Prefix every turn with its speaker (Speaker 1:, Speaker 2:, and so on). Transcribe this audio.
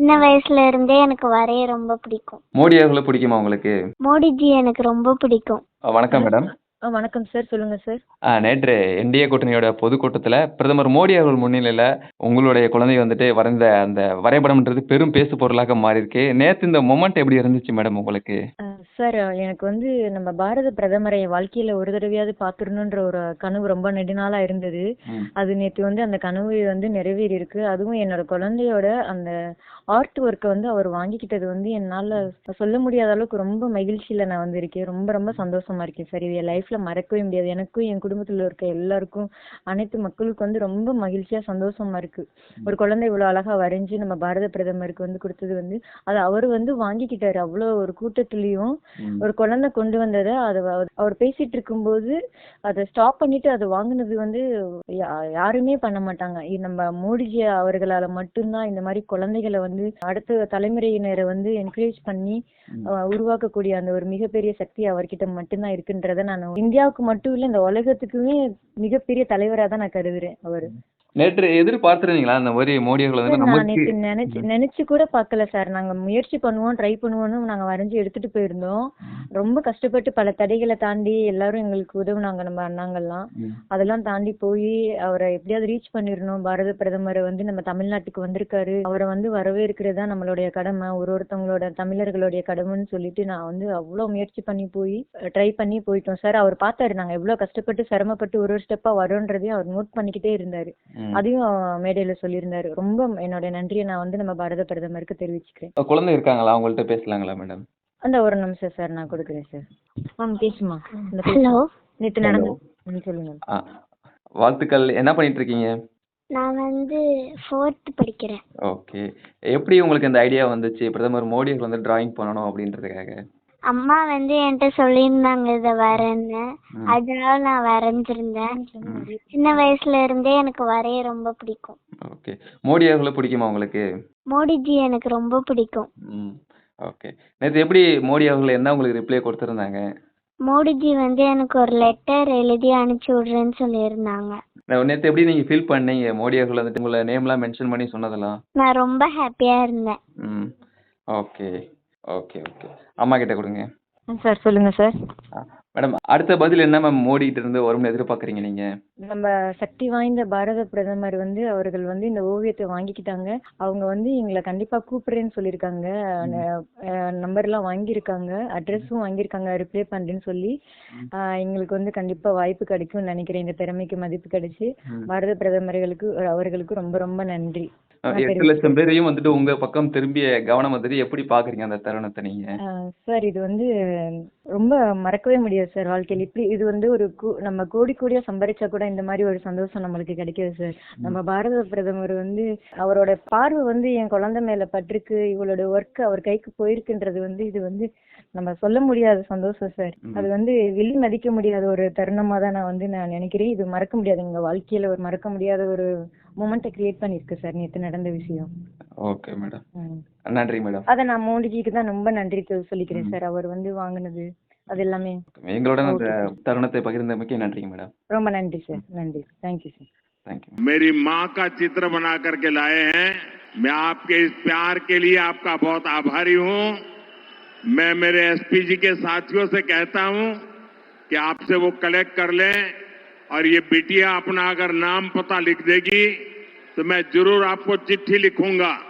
Speaker 1: சின்ன வயசுல இருந்தே எனக்கு வரைய ரொம்ப பிடிக்கும்.
Speaker 2: மோடி அவர்களை பிடிக்குமா உங்களுக்கு?
Speaker 1: மோடிஜி எனக்கு ரொம்ப பிடிக்கும்.
Speaker 2: வணக்கம்
Speaker 3: ஹலோ.
Speaker 2: மேடம்.
Speaker 3: வணக்கம் சார். சொல்லுங்க சார்.
Speaker 2: நேற்று என்டிஏ கூட்டணியோட பொதுக்கூட்டத்துல பிரதமர் மோடி அவர்கள் முன்னிலையில உங்களுடைய குழந்தை வந்துட்டு வரைந்த அந்த வரைபடம்ன்றது பெரும் பேசு பொருளாக மாறியிருக்கு. நேத்து இந்த மொமெண்ட் எப்படி இருந்துச்சு மேடம் உங்களுக்கு?
Speaker 3: சார், எனக்கு வந்து நம்ம பாரத பிரதமரை என் வாழ்க்கையில ஒரு தடவையாவது பார்த்துடணுன்ற ஒரு கனவு ரொம்ப நெடுநாளா இருந்தது.
Speaker 2: ம்.
Speaker 3: அது நேற்று வந்து அந்த கனவு வந்து நிறைவேறி இருக்கு. அதுவும் என்னோட குழந்தையோட அந்த ஆர்ட் ஒர்க்கை வந்து அவர் வாங்கிக்கிட்டது வந்து என்னால சொல்ல முடியாத அளவுக்கு ரொம்ப மகிழ்ச்சியில நான் வந்து இருக்கேன். ரொம்ப ரொம்ப சந்தோஷமா இருக்கேன் சார். இது என் லைஃப்ல மறக்கவே முடியாது. எனக்கும் என் குடும்பத்துல இருக்க எல்லாருக்கும், அனைத்து மக்களுக்கும் வந்து ரொம்ப மகிழ்ச்சியா சந்தோஷமா இருக்கு. ஒரு குழந்தை இவ்வளவு அழகா வரைஞ்சு நம்ம பாரத பிரதமருக்கு வந்து கொடுத்தது வந்து அது அவர் வந்து வாங்கிக்கிட்டாரு. அவ்வளவு ஒரு கூட்டத்திலயும்
Speaker 2: ம்.
Speaker 3: ஒரு குழந்தை கொண்டு வந்ததை அவர் பேசிட்டு இருக்கும்போது அதை ஸ்டாப் பண்ணிட்டு அதை வாங்குனது வந்து யாருமே பண்ண மாட்டாங்க. இது நம்ம மோடிஜி அவர்களால மட்டும்தான் இந்த மாதிரி குழந்தைகளை வந்து அடுத்த தலைமுறையினரை வந்து என்கரேஜ் பண்ணி உருவாக்கக்கூடிய அந்த ஒரு மிகப்பெரிய சக்தி அவர்கிட்ட மட்டும்தான் இருக்குன்றத நான் இந்தியாவுக்கு மட்டும் இல்ல இந்த உலகத்துக்குமே மிகப்பெரிய தலைவரா தான் நான் கருதுறேன் அவரு.
Speaker 2: நேற்று எதிர்பார்த்திருந்தீங்களா அந்த மாதிரி மோடி அவர்கள் வந்து
Speaker 3: நான்
Speaker 2: நமக்கு?
Speaker 3: நேத்து நினைச்சு கூட பார்க்கல சார். நாங்க முயற்சி பண்ணுவோம், ட்ரை பண்ணுவோம்னு நாங்க வரைஞ்சு எடுத்துட்டு போயிருந்தோம். ரொம்ப கஷ்டப்பட்டு பல தடைகளை தாண்டி எல்லாரும் எங்களுக்கு உதவுனாங்க, நம்ம அண்ணாங்கள்லாம். அதெல்லாம் தாண்டி போய் அவரை எப்படியாவது ரீச் பண்ணிடணும். பாரத பிரதமரை வந்து நம்ம தமிழ்நாட்டுக்கு வந்திருக்காரு, அவரை வந்து வரவேற்கிறது தான் நம்மளுடைய கடமை, ஒருத்தவங்களோட தமிழர்களுடைய கடமைன்னு சொல்லிட்டு நான் வந்து அவ்வளவு முயற்சி பண்ணி போய் ட்ரை பண்ணி போயிட்டோம் சார். அவர் பார்த்தாரு நாங்க எவ்வளவு கஷ்டப்பட்டு சிரமப்பட்டு ஒரு ஸ்டெப்பா வரோன்றதையும் அவர் நோட் பண்ணிக்கிட்டே இருந்தாரு. அதையும் மேடையில சொல்லியிருந்தாரு. ரொம்ப என்னோட நன்றியை நான் வந்து நம்ம பாரத பிரதமருக்கு தெரிவிச்சுக்கிறேன்.
Speaker 2: குழந்தை இருக்காங்களா? அவங்கள்ட்ட பேசலாங்களா மேடம்?
Speaker 3: அந்த ஒரு நிமிஷம் சார், நான் கொடுக்குறேன் சார். பேசுமா.
Speaker 1: ஹலோ.
Speaker 3: நேற்று நடந்து சொல்லுங்க.
Speaker 2: வாழ்த்துக்கள். என்ன பண்ணிட்டு இருக்கீங்க?
Speaker 1: நான் வந்து 4th படிக்கிறேன்.
Speaker 2: ஓகே. எப்படி உங்களுக்கு இந்த ஐடியா வந்துச்சு பிரதமர் மோடி அவர்கள் வந்து டிராயிங் பண்ணணும் அப்படின்றதுக்காக?
Speaker 1: அம்மா வந்து என்கிட்ட சொல்லியிருந்தாங்க இதை வரேன்னு, அதனால நான் வரைஞ்சிருந்தேன். சின்ன வயசுல இருந்தே எனக்கு வரைய ரொம்ப பிடிக்கும்.
Speaker 2: ஓகே. மோடி அவர்களை பிடிக்குமா உங்களுக்கு?
Speaker 1: மோடிஜி எனக்கு ரொம்ப பிடிக்கும்.
Speaker 2: ஓகே. நேற்று எப்படி மோடி அவர்கள் என்ன உங்களுக்கு ரிப்ளை கொடுத்துருந்தாங்க?
Speaker 1: மோடிஜி வந்து எனக்கு ஒரு லெட்டர் எழுதி அனுப்பிச்சு விடுறேன்னு சொல்லியிருந்தாங்க.
Speaker 2: நேற்று எப்படி நீங்க ஃபீல் பண்ணீங்க மோடி அவர்கள் வந்துட்டு உங்களை நேம்லாம் மென்ஷன் பண்ணி சொன்னதெல்லாம்?
Speaker 1: நான் ரொம்ப ஹாப்பியா இருந்தேன்.
Speaker 2: Okay okay okay. அம்மா கிட்ட கொடுங்க
Speaker 3: சார். சொல்லுங்க சார்.
Speaker 2: மேடம், அடுத்த பதில் என்ன மேம் மோடி கிட்ட இருந்து வரும்னு எதிர்பார்க்குறீங்க நீங்க? நம்ம
Speaker 3: சக்தி வாய்ந்த பாரத பிரதமர் வந்து அவர்கள் வந்து இந்த ஓவியத்தை வாங்கிக்கிட்டாங்க. அவங்க வந்து எங்களை கண்டிப்பா கூப்பிடுறேன்னு சொல்லியிருக்காங்க. நம்பர் எல்லாம் வாங்கியிருக்காங்க, அட்ரஸும் வாங்கியிருக்காங்க, ரிப்ளை பண்றேன்னு சொல்லி. எங்களுக்கு வந்து கண்டிப்பா வாய்ப்பு கிடைக்கும்னு நினைக்கிறேன். இந்த திறமைக்கு மதிப்பு கிடைச்சு பாரத பிரதமர்களுக்கு அவர்களுக்கு ரொம்ப ரொம்ப நன்றி.
Speaker 2: 8 லட்சம் பேரையும் வந்துட்டு உங்க பக்கம் திரும்பிய கவனம் வந்துட்டு எப்படி பாக்குறீங்க அந்த தருணத்தை நீங்க?
Speaker 3: சார், இது வந்து ரொம்ப மறக்கவே முடியாது சார் வாழ்க்கையில். இப்படி இது வந்து ஒரு நம்ம கோடி கோடியா சம்பாதிச்சா கூட இந்த மாதிரி ஒரு சந்தோஷம் நம்மளுக்கு கிடைக்காது சார். நம்ம பாரத பிரதமர் வந்து அவரோட பார்வை வந்து என் குழந்தை மேல பட்டிருக்கு, இவளோட ஒர்க் அவர் கைக்கு போயிருக்குன்றது வந்து இது வந்து நம்ம சொல்ல முடியாத சந்தோஷம் சார். அது வந்து வெளி மதிக்க முடியாத ஒரு தருணமா தான் நான் நினைக்கிறேன். இது மறக்க முடியாது, எங்க வாழ்க்கையில ஒரு மறக்க முடியாத ஒரு மொமெண்ட்டை கிரியேட் பண்ணிருக்கு சார் நேற்று நடந்த விஷயம்.
Speaker 2: Okay madam. நன்றி மேடம்.
Speaker 3: அத நான் மோடிஜிக்கு தான் ரொம்ப நன்றி சொல்லிக்கிறேன் சார். அவர் வந்து வாங்குனது அது எல்லாமே.
Speaker 2: எங்களோட அந்த தருணத்தை பகிர்ந்தமைக்கு நன்றிங்க மேடம்.
Speaker 3: ரொம்ப நன்றி சார். நன்றி. Thank you sir.
Speaker 2: தேங்க்யூ.
Speaker 4: मेरी माँ का चित्र बना करके लाए हैं। मैं आपके इस प्यार के लिए आपका बहुत आभारी हूँ। मैं मेरे एसपी जी के साथियों से कहता हूँ कि आपसे वो कलेक्ट कर लें और ये बिटिया अपना अगर नाम पता लिख देगी तो मैं जरूर आपको चिट्ठी लिखूंगा।